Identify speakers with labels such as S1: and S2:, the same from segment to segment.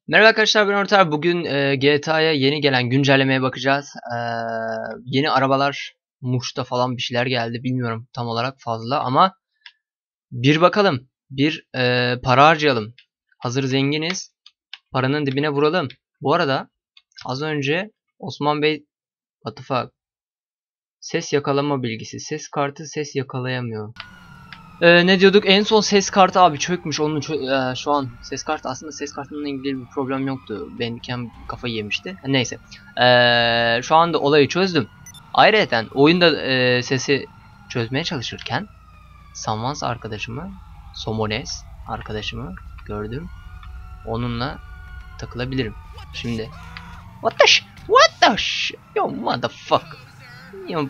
S1: Merhaba arkadaşlar, ben Orta. Bugün GTA'ya yeni gelen güncellemeye bakacağız. Yeni arabalar, Muş'ta falan bir şeyler geldi. Bilmiyorum tam olarak fazla ama bir bakalım. Bir para harcayalım. Hazır zenginiz. Paranın dibine vuralım. Bu arada az önce Osman Bey, what the fuck? Ses yakalama bilgisi. Ses kartı ses yakalayamıyor. Ne diyorduk? En son ses kartı abi çökmüş. Onun şu an ses kartı, aslında ses kartının ilgili bir problem yoktu. Benimken kafayı yemişti. Neyse. Şu anda olayı çözdüm. Ayrıca oyunda sesi çözmeye çalışırken Samans arkadaşımı, Somones arkadaşımı gördüm. Onunla takılabilirim. Şimdi what the yo motherfucker. Yo.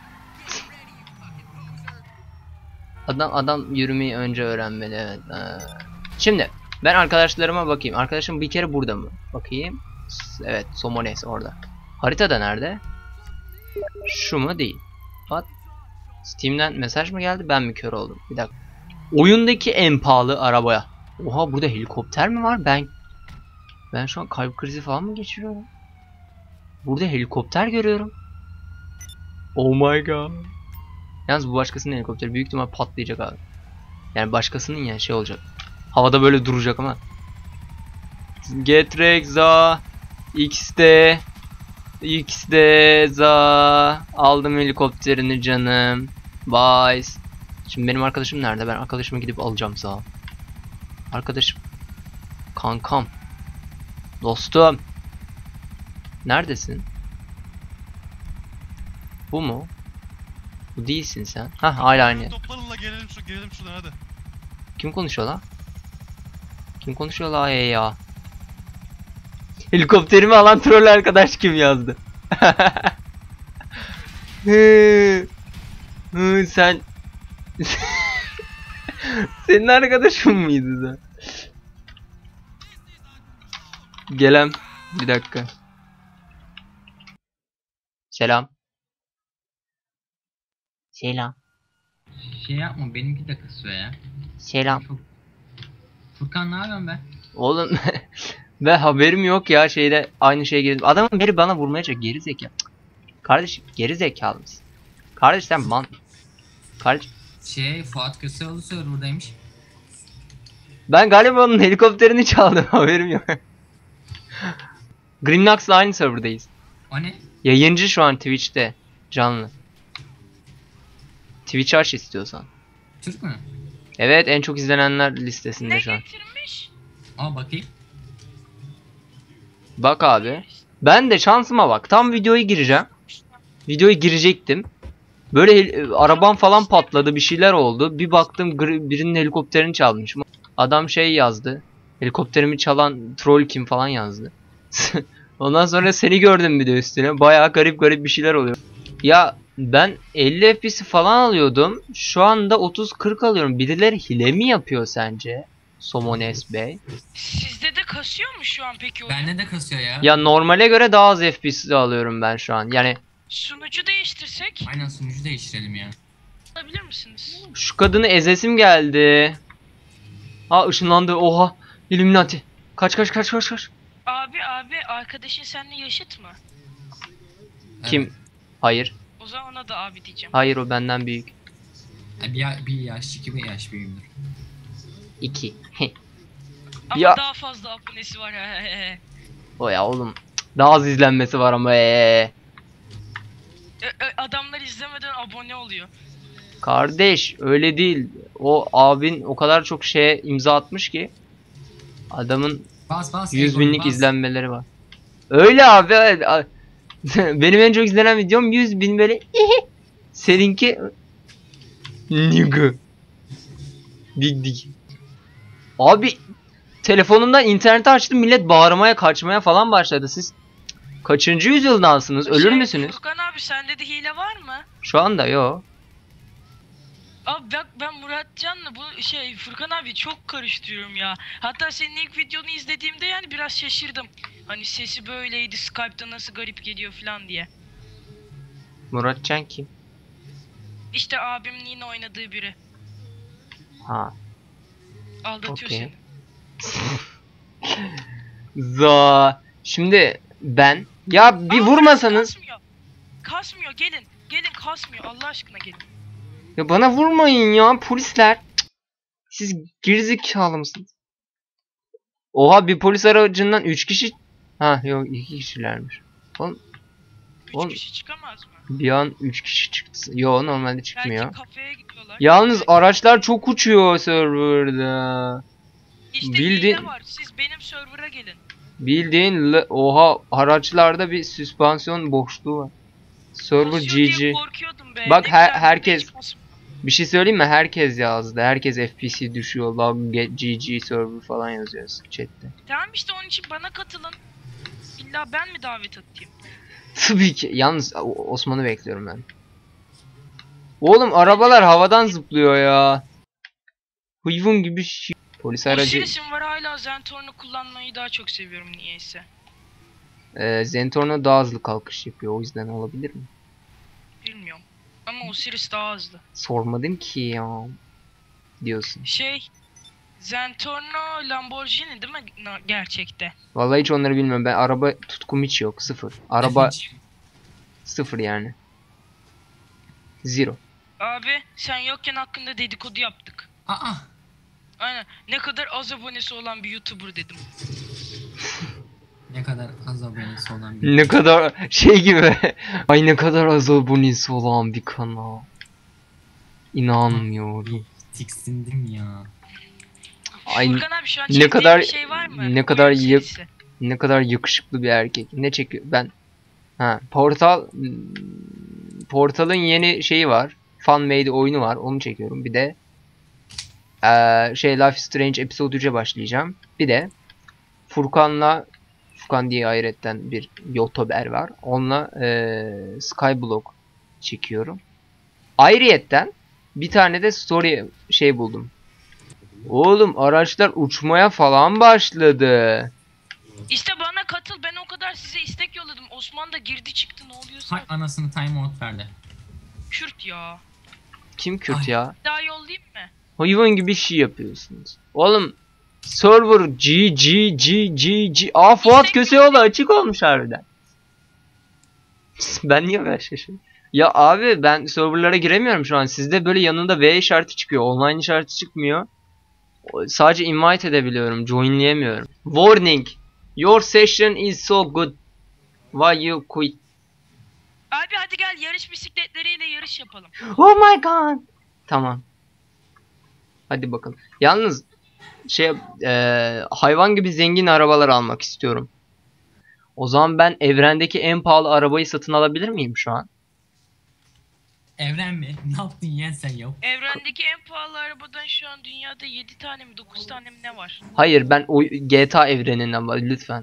S1: Adam yürümeyi önce öğrenmeli, evet. Şimdi ben arkadaşlarıma bakayım. Arkadaşım bir kere burada mı? Bakayım. Evet, Somones orada. Haritada nerede? Şu mu? Değil. What? Steam'den mesaj mı geldi? Ben mi kör oldum? Bir dakika. Oyundaki en pahalı arabaya. Oha, burada helikopter mi var? Ben şu an kalp krizi falan mı geçiriyorum? Burada helikopter görüyorum. Oh my god. Yalnız bu başkasının helikopteri, büyük ihtimal patlayacak abi. Yani başkasının, yani şey olacak. Havada böyle duracak ama. Getrek za X'de za aldım helikopterini canım. Bye. Şimdi benim arkadaşım nerede? Ben arkadaşımı gidip alacağım za. Arkadaşım. Kankam. Dostum. Neredesin? Bu mu? Bu değilsin sen. Hah, hala aynı.
S2: Toplanın la, gelelim şuradan hadi.
S1: Kim konuşuyor lan? Kim konuşuyor la ya? Helikopterimi alan troll arkadaş kim yazdı? Sen senin arkadaşın mıydı da? Gelem bir dakika. Selam. Selam.
S3: Şey yapma, benimki de kısıyor ya.
S1: Selam.
S3: Furkan ne yapıyorsun be?
S1: Oğlum ve haberim yok ya, şeyde aynı şeye girdim. Adamın biri bana vurmaya çalışıyor, geri zekalı. Kardeşim geri zekalı mısın? Kardeş sen Kardeş,
S3: Fuat Köseoğlu serverdaymış.
S1: ben galiba onun helikopterini çaldım, haberim yok. Grimnox'la aynı serverdayız.
S3: O ne?
S1: Yayıncı şu an Twitch'te canlı. Twitch aç istiyorsan.
S3: Türk mü?
S1: Evet, en çok izlenenler listesinde
S4: Ne
S1: şu an.
S4: getirmiş?
S3: Aa, bakayım.
S1: Bak abi. Ben de şansıma bak. Tam videoya gireceğim. Videoya girecektim. Böyle arabam falan patladı, bir şeyler oldu. Bir baktım birinin helikopterini çalmışım. Adam şey yazdı. Helikopterimi çalan troll kim falan yazdı. Ondan sonra seni gördüm bir de üstüne. Bayağı garip garip bir şeyler oluyor. Ya ben 50 FPS falan alıyordum. Şu anda 30-40 alıyorum. Birileri hile mi yapıyor sence? Somones Bey.
S4: Sizde de kasıyor mu şu an peki oyun?
S3: Bende de kasıyor ya.
S1: Ya normale göre daha az FPS alıyorum ben şu an. Yani
S4: Sunucu değiştirsek
S3: Aynen, sunucu değiştirelim ya.
S4: alabilir misiniz?
S1: şu kadını ezesim geldi. Ha, ışınlandı. Oha. Illuminati. Kaç.
S4: Abi arkadaşın seninle yaşıt mı?
S1: Kim? Hayır.
S4: O zaman ona da abi diyeceğim.
S1: Hayır, o benden büyük.
S3: Evet. Bir yaş, 2 yaş büyüğümdür.
S1: 2.
S4: Ama
S1: Ya.
S4: daha fazla abonesi var.
S1: O ya oğlum. Daha az izlenmesi var ama.
S4: Adamlar izlemeden abone oluyor.
S1: Kardeş öyle değil. O abin o kadar çok şeye imza atmış ki. Adamın
S3: Bas
S1: 100
S3: Egon,
S1: binlik
S3: bas.
S1: izlenmeleri var. Öyle abi. Evet. Benim en çok izlenen videom 100 bin böyle. Seninki Nigga. Dig. Abi telefonumdan interneti açtım, millet bağırmaya kaçmaya falan başladı. Siz kaçıncı yüzyıldansınız? Ölür müsünüz?
S4: Furkan abi sende de hile var mı?
S1: Şu anda yok.
S4: Abi bak, ben Muratcan'la bu Furkan abi çok karıştırıyorum ya. Hatta senin ilk videonu izlediğimde yani biraz şaşırdım. Hani sesi böyleydi, Skype'da nasıl garip geliyor falan diye.
S1: Muratcan kim?
S4: İşte abimin yine oynadığı biri.
S1: Ha.
S4: Aldatıyor
S1: Okey.
S4: seni.
S1: Şimdi ben ya bir
S4: Aa,
S1: vurmasanız
S4: Kasmıyor. Kasmıyor, gelin. Gelin, kasmıyor, Allah aşkına gelin.
S1: ya bana vurmayın ya polisler. Cık. Siz gerizekalı mısınız? Oha bir polis aracından 3 kişi. Ha yok 2 kişilermiş. Oğlum
S4: 3 kişi çıkamaz mı?
S1: bir an 3 kişi çıktı. Yo normalde çıkmıyor.
S4: Belki kafeye gidiyorlar.
S1: Yalnız araçlar çok uçuyor serverda.
S4: İşte
S1: bildi-
S4: hile var. Siz benim server'a gelin.
S1: Bildiğin oha araçlarda bir süspansiyon boşluğu var. Server
S4: Kasıyor diye
S1: GG.
S4: korkuyordum be.
S1: Bak,
S4: Ne güzel,
S1: herkes-
S4: hiç kasmıyor.
S1: Bir şey söyleyeyim mi? Herkes yazdı. Herkes FPC düşüyor. Lag GG server falan yazıyor chatte.
S4: Tamam işte onun için bana katılın. İlla ben mi davet atayım?
S1: Tabii ki. Yalnız Osman'ı bekliyorum ben. Oğlum arabalar havadan zıplıyor ya. Hayvan gibi şey. Polis aracı.
S4: Osiris'im var, hala Zentorn'u kullanmayı daha çok seviyorum niyeyse.
S1: Zentorno daha hızlı kalkış yapıyor. O yüzden olabilir mi?
S4: Bilmiyorum. Ama Osiris daha hızlı.
S1: Sormadım ki ya. Diyorsun.
S4: Zentorno Lamborghini değil mi gerçekte?
S1: Vallahi hiç onları bilmiyorum. Ben araba tutkum hiç yok. Sıfır. Araba
S3: Efeciğim,
S1: sıfır yani. Zero.
S4: Abi sen yokken hakkında dedikodu yaptık.
S3: Aa.
S4: Aynen. Ne kadar az abonesi olan bir YouTuber dedim.
S3: Ne kadar az abonesi olan bir.
S1: Ne kadar şey gibi. Ay ne kadar az abonesi olan bir kanal. İnanmıyorum.
S3: Tiksindim ya.
S1: Ay
S4: Furkan abi şu an
S1: ne
S4: çektiğin
S1: kadar-
S4: bir şey var mı?
S1: ne kadar
S4: Oyun
S1: yap-
S4: serisi.
S1: ne kadar yakışıklı bir erkek. Ne çekiyor? Ben Portal'ın yeni şeyi var. Fan made oyunu var. Onu çekiyorum. Bir de Life is Strange episode 3'e başlayacağım. Bir de Furkan diye ayrıyetten bir YouTuber var. Onunla Skyblock çekiyorum. Ayrıyetten bir tane de story buldum. Oğlum araçlar uçmaya falan başladı.
S4: İşte bana katıl, ben o kadar size istek yolladım. Osman da girdi çıktı, ne oluyorsa.
S3: Hay anasını time out verdi.
S4: Kürt ya.
S1: Kim Kürt
S3: Ay.
S1: ya?
S4: Daha yollayayım mı?
S1: Hayvan gibi şey yapıyorsunuz. Oğlum server G. Fuat Köseoğlu açık olmuş harbiden. Ben niye böyle şaşırdım? Ya abi ben serverlara giremiyorum şu an. Sizde böyle yanında V işareti çıkıyor. Online işareti çıkmıyor. Sadece invite edebiliyorum. Joinleyemiyorum. Warning. Your session is so good. Why you quit?
S4: Abi hadi gel, yarış bisikletleriyle yarış yapalım.
S1: Oh my god. Tamam. Hadi bakalım. Yalnız hayvan gibi zengin arabalar almak istiyorum. O zaman ben evrendeki en pahalı arabayı satın alabilir miyim şu an?
S3: Evren mi? Ne yaptın yeğen sen ya?
S4: Evrendeki en pahalı arabadan şu an dünyada 7 tane mi 9 tane mi ne var?
S1: Hayır ben o GTA evreninden lütfen.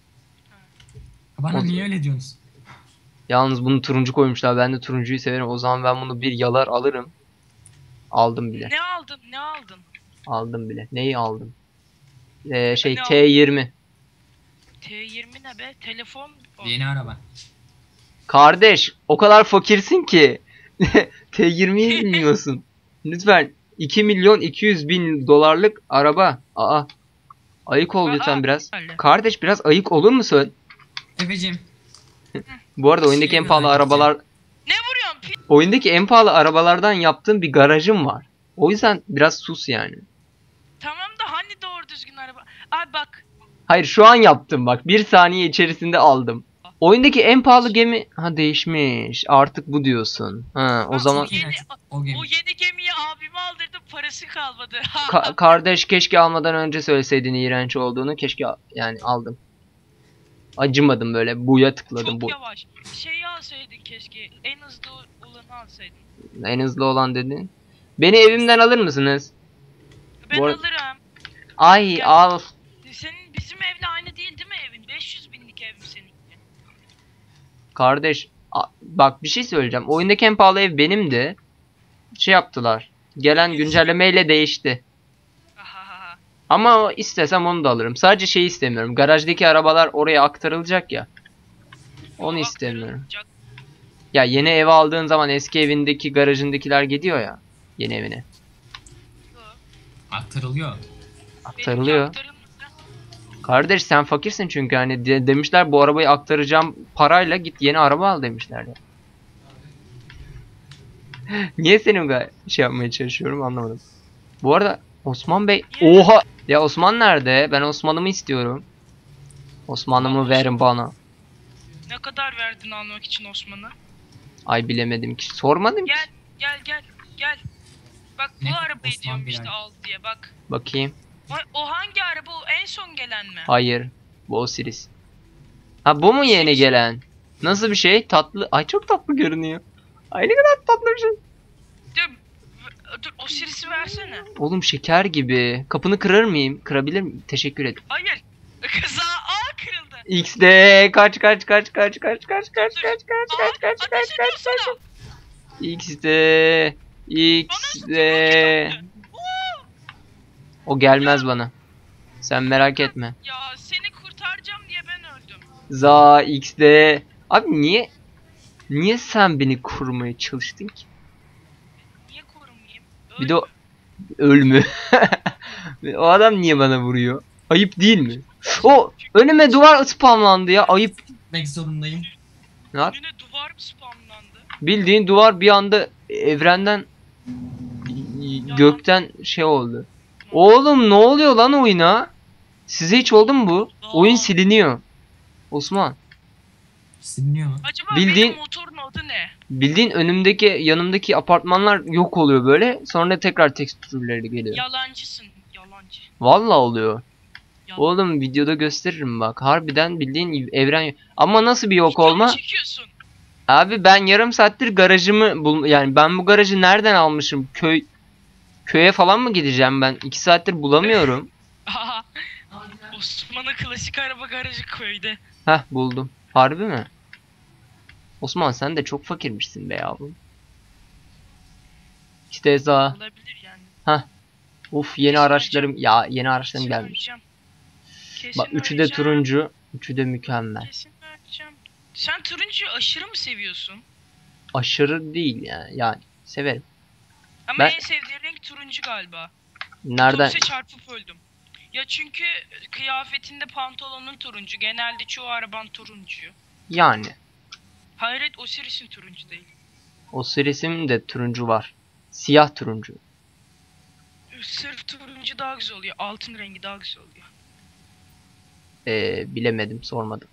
S3: Bana
S1: O-
S3: niye öyle diyorsunuz?
S1: Yalnız bunu turuncu koymuşlar. Ben de turuncuyu severim. O zaman ben bunu bir yalar alırım. Aldım bile.
S4: Ne aldın? Ne aldın?
S1: Aldım bile. Neyi aldım?
S4: Ne aldın?
S1: T20.
S4: T20 ne be? Telefon. O.
S3: Yeni araba.
S1: Kardeş o kadar fakirsin ki. T20'yi bilmiyorsun. Lütfen 2 milyon 200 bin dolarlık araba. Aa. Ayık ol lütfen biraz.
S4: öyle.
S1: Kardeş biraz ayık olur musun?
S3: Efeciğim.
S1: Bu arada oyundaki en pahalı arabalar
S4: Ne vuruyorsun?
S1: oyundaki en pahalı arabalardan yaptığım bir garajım var. O yüzden biraz sus yani.
S4: Tamam da hani doğru düzgün araba. Abi bak.
S1: Hayır şu an yaptım bak. Bir saniye içerisinde aldım. Oyundaki en pahalı gemi değişmiş. Artık bu diyorsun. O
S4: Bak,
S1: zaman
S4: o yeni,
S3: O gemi.
S4: o yeni gemiyi abime aldırdım, parası kalmadı.
S1: kardeş keşke almadan önce söyleseydin iğrenç olduğunu. Keşke yani aldım. Acımadım böyle. Buya tıkladım.
S4: Çok yavaş. Şeyi alsaydın keşke. En hızlı olanı alsaydın.
S1: En hızlı olan dedin. Beni evimden alır mısınız?
S4: Ben
S1: Bu ar-
S4: alırım.
S1: Ay
S4: Gel.
S1: al.
S4: Senin bizim evle aynı değil mi evin? 500 binlik ev mi seninki?
S1: Kardeş bak bir şey söyleyeceğim. Oyundaki en pahalı ev benimdi. Şey yaptılar. Gelen güncellemeyle değişti.
S4: Ahaha.
S1: Ama istesem onu da alırım. Sadece şey istemiyorum. Garajdaki arabalar oraya aktarılacak ya. Onu
S4: O
S1: istemiyorum.
S4: aktarılacak.
S1: Ya yeni ev aldığın zaman eski evindeki garajındakiler gidiyor ya. Yeni evine.
S3: Aktarılıyor.
S1: Aktarılıyor.
S4: Benimki aktarılmadı.
S1: Kardeş sen fakirsin çünkü hani demişler bu arabayı aktaracağım parayla git yeni araba al demişler ya. Niye senin şey yapmaya çalışıyorum anlamadım. Bu arada Osman Bey, oha ya Osman nerede? Ben Osman'ımı istiyorum. Osman'ımı verin bana.
S4: Ne kadar verdin almak için Osman'a?
S1: Ay bilemedim ki sormadım ki.
S4: Gel. Bak bu
S3: Ne?
S4: arabayı
S3: Osman
S4: diyorum
S3: bir
S4: işte
S3: ay.
S4: al diye bak.
S1: Bakayım.
S4: O hangi araba, o en son gelen mi?
S1: Hayır. Bu Osiris. Ha bu mu yeni
S4: Osiris.
S1: gelen? Nasıl bir şey? Tatlı. Ay çok tatlı görünüyor. Ay ne kadar tatlı bir şey.
S4: Dur Osiris'i versene.
S1: Oğlum şeker gibi. Kapını kırar mıyım? Kırabilir miyim? Teşekkür ederim.
S4: Hayır. Kaza kırıldı.
S1: XD kaç. XD O gelmez bana. Sen merak etme.
S4: Ya seni kurtaracağım diye ben öldüm.
S1: Za XD. Abi niye sen beni korumaya çalıştın ki?
S4: Niye korumayayım?
S1: Bir de o ölmü. O adam niye bana vuruyor? Ayıp değil mi? O önüme duvar spamlandı ya. Ayıp.
S3: Gitmek zorundayım.
S1: Ne yap?
S4: Önüne duvar mı spamlandı?
S1: Bildiğin duvar bir anda evrenden gökten şey oldu. Oğlum ne oluyor lan oyuna? Size hiç oldu mu bu? Oyun siliniyor. Osman.
S3: Siliniyor mu?
S4: Acaba
S1: Bildiğin-
S4: benim motorun adı ne?
S1: Bildiğin önümdeki yanımdaki apartmanlar yok oluyor böyle. Sonra tekrar tekstürleri geliyor.
S4: Yalancısın. Yalancı.
S1: Vallahi oluyor.
S4: Yalan.
S1: Oğlum videoda gösteririm bak. Harbiden bildiğin evren. Ama nasıl bir yok olma?
S4: Video mu çekiyorsun?
S1: Abi ben yarım saattir garajımı yani ben bu garajı nereden almışım? Köye falan mı gideceğim ben? 2 saattir bulamıyorum.
S4: Aha. Osman'ın klasik araba garajı köyde.
S1: Heh buldum. Harbi mi? Osman sen de çok fakirmişsin be yavrum. İşte za.
S4: Olabilir yani.
S1: Uf yeni
S4: Kesin
S1: araçlarım. Ya yeni araçlarım
S4: Kesin
S1: gelmiş.
S4: öleceğim. Kesin
S1: Bak üçü de
S4: öleceğim.
S1: turuncu. Üçü de mükemmel.
S4: Kesin öleceğim. Sen turuncuyu aşırı mı seviyorsun?
S1: Aşırı değil yani. Yani severim.
S4: Ama
S1: Ben-
S4: en sevdiğin renk turuncu galiba.
S1: Nereden?
S4: Otobüse çarpıp öldüm. Ya çünkü kıyafetinde pantolonun turuncu. Genelde çoğu araban turuncu.
S1: Yani.
S4: Hayret Osiris'in turuncu değil.
S1: Osiris'in de turuncu var. Siyah turuncu.
S4: Sırf turuncu daha güzel oluyor. Altın rengi daha güzel oluyor.
S1: Bilemedim sormadım.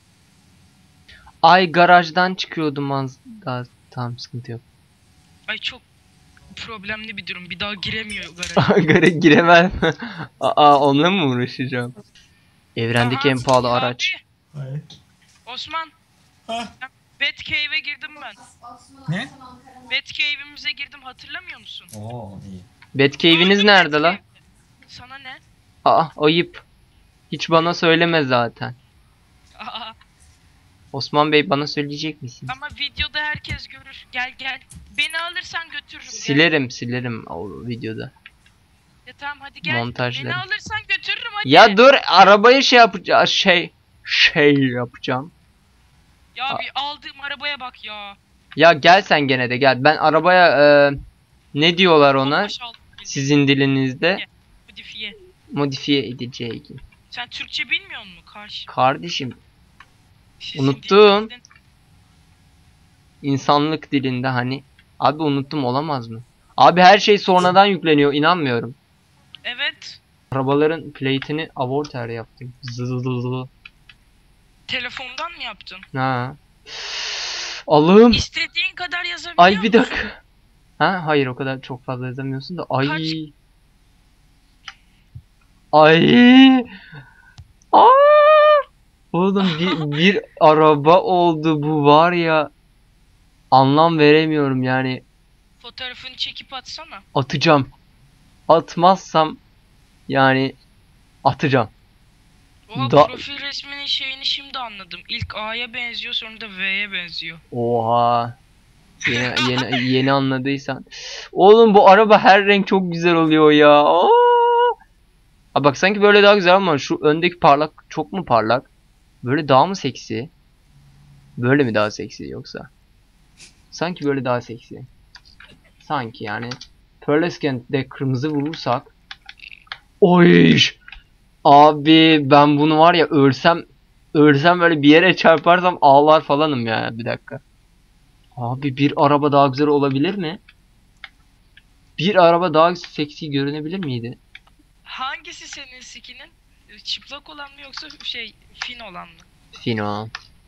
S1: Ay garajdan çıkıyordum az daha tamam sıkıntı yok.
S4: Ay çok problemli bir durum. Bir daha giremiyor garaja.
S1: Garaj giremem. Aa onunla mı uğraşacağım? Evrendeki en pahalı
S4: Abi,
S1: araç.
S3: Evet.
S4: Osman.
S3: Ha.
S4: Batcave'e girdim ben.
S3: Ne?
S4: Batcave'imize girdim hatırlamıyor musun?
S3: Oo iyi.
S1: Batcave'iniz
S4: Öldüm
S1: nerede la?
S4: Batcave'de. Sana ne?
S1: Aa ayıp. Hiç bana söyleme zaten.
S4: Aa,
S1: Osman Bey bana söyleyecek misin?
S4: ama videoda herkes görür. Gel. Beni alırsan götürürüm. Gel.
S1: Silerim o videoda.
S4: Ya tamam hadi gel.
S1: Montajları.
S4: Beni alırsan götürürüm hadi.
S1: Ya dur arabayı şey yapacağız şey yapacağım.
S4: Ya bir aldığım arabaya bak ya.
S1: Ya gel sen gene de gel. Ben arabaya ne diyorlar ona?
S4: Bombaş aldım.
S1: Sizin dilinizde
S4: Modifiye.
S1: modifiye edeceği.
S4: Sen Türkçe bilmiyor musun karşı?
S1: Kardeşim
S4: Sizin
S1: Unuttum.
S4: dilinizden-
S1: insanlık dilinde hani. Abi unuttum olamaz mı? Abi her şey sonradan yükleniyor inanmıyorum.
S4: Evet.
S1: Arabaların plate'ini avorter yaptım. Zızızızı.
S4: Telefondan mı yaptın?
S1: Ha. Allah'ım.
S4: İstediğin kadar yazabiliyor
S1: Ay bir
S4: musun?
S1: dakika. Ha hayır o kadar çok fazla yazamıyorsun da. Ay.
S4: Kaç?
S1: Ay. Aa! Oğlum bir araba oldu bu var ya. Anlam veremiyorum yani.
S4: Fotoğrafını çekip atsana.
S1: Atacağım. Atmazsam yani atacağım.
S4: Oha
S1: Da-
S4: profil resminin şeyini şimdi anladım. İlk A'ya benziyor sonra da V'ye benziyor.
S1: Oha. Yeni anladıysan. Oğlum bu araba her renk çok güzel oluyor ya. Aa! Aa, bak sanki böyle daha güzel ama şu öndeki parlak çok mu parlak? Böyle daha mı seksi? Böyle mi daha seksi yoksa? Sanki böyle daha seksi. Sanki yani. Pearlescent'de kırmızı vurursak. Oy! Abi ben bunu var ya ölsem böyle bir yere çarparsam ağlar falanım ya. Bir dakika. Abi bir araba daha güzel olabilir mi? Bir araba daha seksi görünebilir miydi?
S4: Hangisi senin skinin? Çıplak olan mı yoksa fin olan mı?
S1: Fino.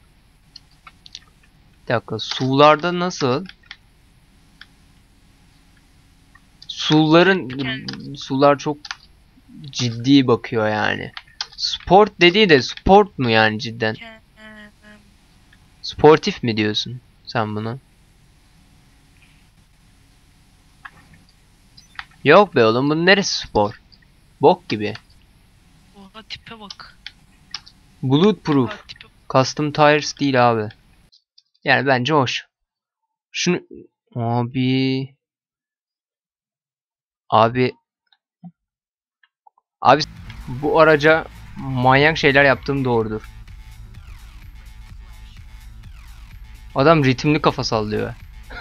S1: Bir dakika, sularda nasıl? Sular çok ciddi bakıyor yani. Sport dediği de sport mu yani cidden? Sportif mi diyorsun sen bunu? Yok be oğlum, bunun neresi spor? Bok gibi.
S4: Oha tipe bak.
S1: Bulletproof.
S4: Oha tipe bak.
S1: Custom tires değil abi. Yani bence hoş. Şunu abi abi abi bu araca manyak şeyler yaptığım doğrudur. Adam ritimli kafa sallıyor.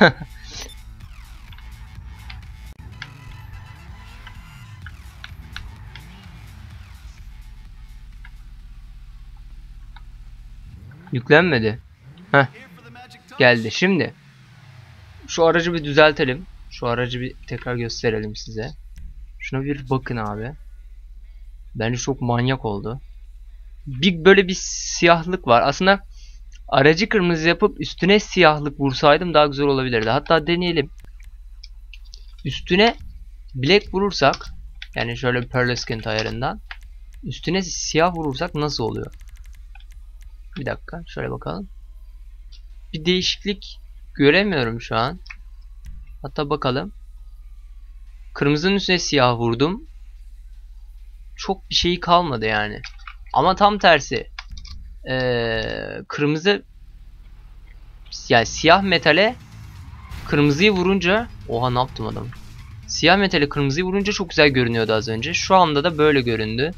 S1: Yüklenmedi. Heh, geldi. Şimdi şu aracı bir düzeltelim. Şu aracı bir tekrar gösterelim size. Şuna bir bakın abi. Bence çok manyak oldu. Bir böyle bir siyahlık var. Aslında aracı kırmızı yapıp üstüne siyahlık vursaydım daha güzel olabilirdi. Hatta deneyelim. Üstüne black vurursak, yani şöyle pearl skin ayarından üstüne siyah vurursak nasıl oluyor? Bir dakika şöyle bakalım. Bir değişiklik göremiyorum şu an. Hatta bakalım. Kırmızının üstüne siyah vurdum. Çok bir şey kalmadı yani. Ama tam tersi. Kırmızı, yani siyah metale kırmızıyı vurunca, oha ne yaptım adam? Siyah metale kırmızıyı vurunca çok güzel görünüyordu az önce. Şu anda da böyle göründü.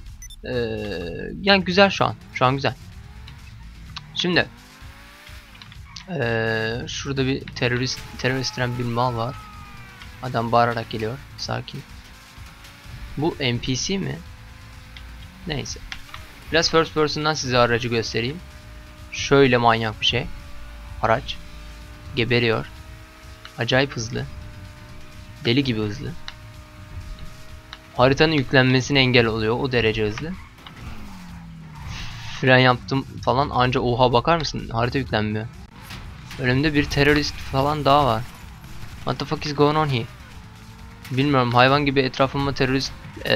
S1: Yani güzel şu an. Şu an güzel. Şimdi şurada bir terörist bir mal var. Adam bağırarak geliyor. Sakin. Bu NPC mi? Neyse. Biraz first person'dan size aracı göstereyim. Şöyle manyak bir şey. Araç. Geberiyor. Acayip hızlı. Deli gibi hızlı. Haritanın yüklenmesine engel oluyor. O derece hızlı. Fren yaptım falan, anca oha bakar mısın? Harita yüklenmiyor. Önümde bir terörist falan daha var. What the fuck is going on here? Bilmiyorum, hayvan gibi etrafıma terörist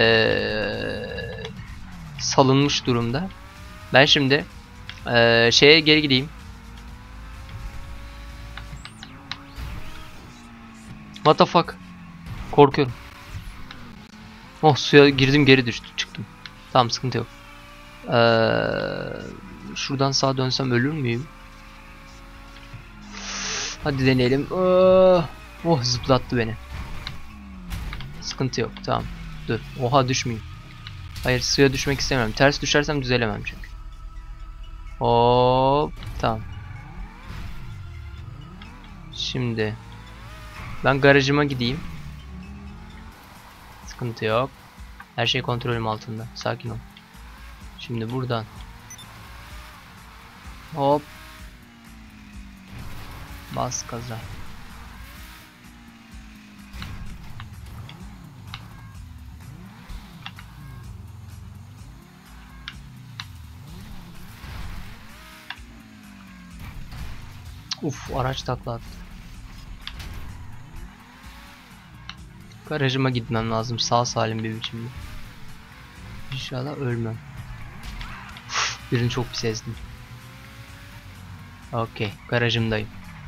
S1: salınmış durumda. Ben şimdi şeye geri gideyim. What the fuck? Korkuyorum. Oh, suya girdim, geri çıktım. Tamam, sıkıntı yok. Şuradan sağa dönsem ölür müyüm? Hadi deneyelim. Oh, zıplattı beni. Sıkıntı yok, tamam. Dur. Oha, düşmeyeyim. Hayır, suya düşmek istemiyorum. Ters düşersem düzelemem çünkü. Hop, tamam. Şimdi ben garajıma gideyim. Sıkıntı yok. Her şey kontrolüm altında. Sakin ol. Şimdi buradan. Hop. Bas gaza. Uf, araç takla attı. Garajıma gitmem lazım sağ salim bir biçimde. İnşallah ölmem. Birini çok pis ezdim. Okey, garajımdayım.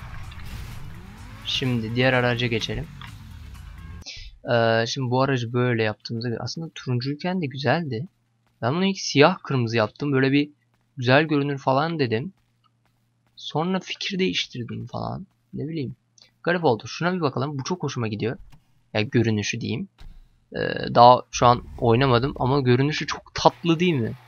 S1: Şimdi diğer araca geçelim. Şimdi bu aracı böyle yaptığımızda aslında turuncuyken de güzeldi. Ben bunu ilk siyah kırmızı yaptım. Böyle bir güzel görünür falan dedim. Sonra fikir değiştirdim falan. Ne bileyim. Garip oldu. Şuna bir bakalım. Bu çok hoşuma gidiyor. Yani görünüşü diyeyim. Daha şu an oynamadım ama görünüşü çok tatlı değil mi?